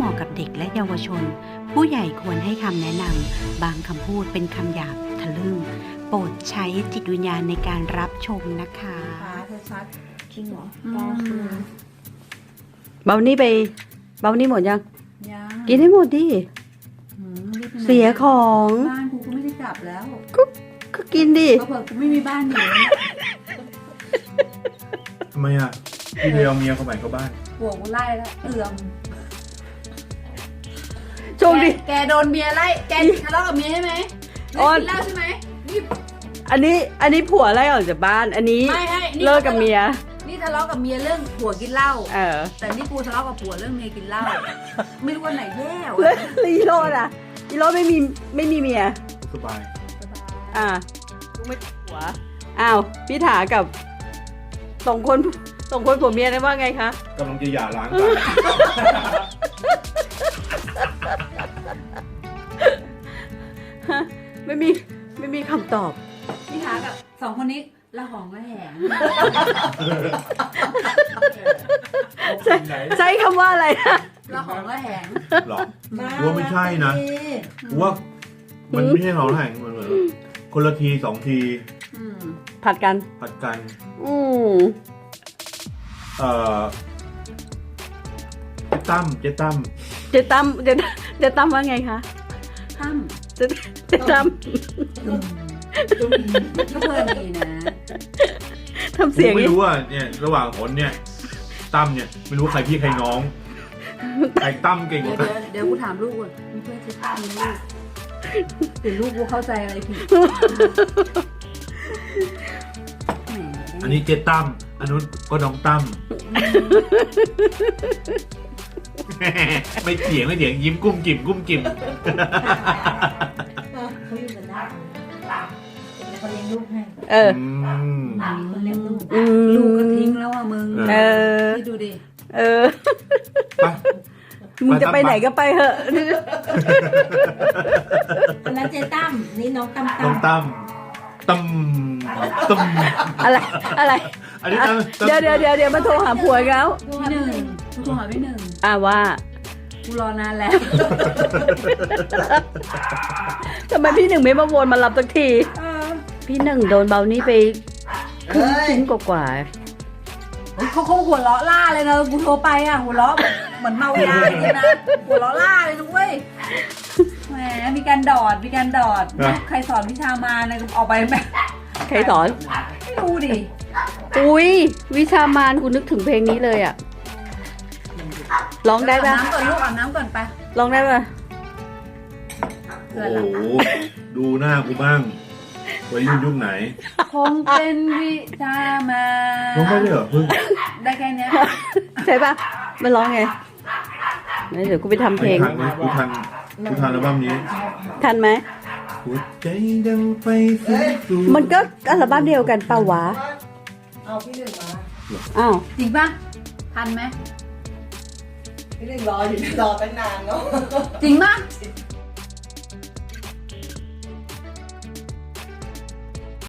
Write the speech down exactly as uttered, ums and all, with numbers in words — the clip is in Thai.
มาะกับเด็กและเยาวชนผู้ใหญ่ควรให้คำแนะนำบางคำพูดเป็นคำหยาบทะลึ่งโปรดใช้จิตวิญญาณในการรับชมนะคะฟ้าชัดๆจริงเหรออืมก็คือเบานี่ไปเบานี่หมดยังยังกินให้หมดดิหืมรีบไปไหนเสียของบ้านกูก็ไม่ได้กลับแล้วก็กินดิเขาบอกกูไม่มีบ้านอยู่ทำไมอ่ะพี่เดียวเมียเขาใหม่เข้าบ้านผัวกูไล่แล้วเอื่อมโชคดีแกแกโดนเมียไล่แกทะเลาะกับเมียใช่ไหมอ๋อเลิกกินเหล้าใช่ไหมนี่อันนี้อันนี้ผัวไล่ออกจากบ้าน อันนี้ไม่ให้นี่เลิกกับเมียนี่ทะเลาะกับเมียเรื่องผัวกินเหล้าเออแต่นี่กูทะเลาะกับผัวเรื่องเมียกินเหล้าไม่รู้ว่าไหนแย่แล้ววะลีโรดอ่ะลีโรดไม่มีไม่มีเมียสบายอ่าลูกไม่ติดผัวอ้าวพี่ถากับสองคนสองคนผัวเมียได้ว่าไงคะกำลังจะหย่าร้างกันฮะไม่มีไม่มีคำตอบพี่ถากับสองคนนี้ละหองละแหงใช้ใช้คำว่าอะไรนะละหองละแหงหรอกูว่าไม่ใช่นะกูว่ามันไม่ใช่เขาแห่งมันเหมือนคนละทีสองทีอืมผัดกันผัดกันอืมเอ่อเจ๊ตั้มเจ๊ตั้มเจตั้มเจเจตั้มว่าไงคะตั้มเจเจตั้มก็เพลินดีนะทำเสียงกูไม่นี้รู้ว่าเนี่ยระหว่างผลเนี่ยตั้มเนี่ยไม่รู้ว่าใครพี่ใครน้องใครตั้มเก่งกเดี๋ยวว่ากันเดี๋ยวเดี๋ยวกูถามลูกก่อนมึงเพื่อนชื่อตั้มไหมลูกเดี๋ยวลูกกูเข้าใจอะไรผิดแหมอันนี้เจ๊ตั้มอันนู้นก็น้องตั้ม ไม่เถียงไม่เถียงยิ้มกุ้มกิ่มกุ้มกิ่มเขาอยู่กันได้แต่เขาเลี้ยงลูกให้เอออืมเขาเลี้ยงลูกอืมลูกก็ทิ้งแล้วอ่ะมึงเออคิดดูดิเออไปมึงจะไปไหนก็ไปเถอะอันนั้นเจตั้มนี่น้องตั้มน้ตั้องมตั้มตั้มตั้มอะไรอะไรอันนี้ตั้มตั้มเดี๋ยวเดี๋ยวเดี๋ยวเดี๋ยวมาโทรหาผัวอีกแล้วพี่หนึ่งกูโทรหาพี่หนึ่งอ่าว่ากูรอนานแล้วทำไมพี่หนึ่งไม่มาวนมารับสักทีเออพี่หนึ่งโดนเบานี่ไปครึ่งชิ้นกว่าเฮ้ยเขาคงหัวเราะล่าเลยนะกูโทรไปอ่ะหัวเราะแบบเหมือนเมายาอย่างนี้นะหัวเราะล่าเลยนุ้ยแหมมีการดอดมีการดอดใครสอนวิชามาเนี่ยออกไปไหมๆใครสอนไม่รู้ดิอุ้ยวิชามานกูนึกถึงเพลงนี้เลยอ่ะร้องได้อาบปะน้ำก่อนลูกอาบน้ำก่อนไปร้องได้ปะเพื่อนโอ้ละโหดูหน้ากูบ้างวัยรุ่นยุคไหนคงเป็นวิชามาร้องได้เลยเหรอเพิ่งได้แค่เนี้ยใช่ปะมันร้องไงงั้นเดี๋ยวกูไปทำเพลงทันไหมกูทันกูทันอัลบั้มนี้ทันไหมหัวใจดังไฟสูงสูงมันก็อัลบั้มเดียวกันเปล่าวะเอาพี่หนึ่งมาอ้าวจริงปะทันไหมพี่หนึ่งรออยู่รอตั้งนานเนาะจริงปะ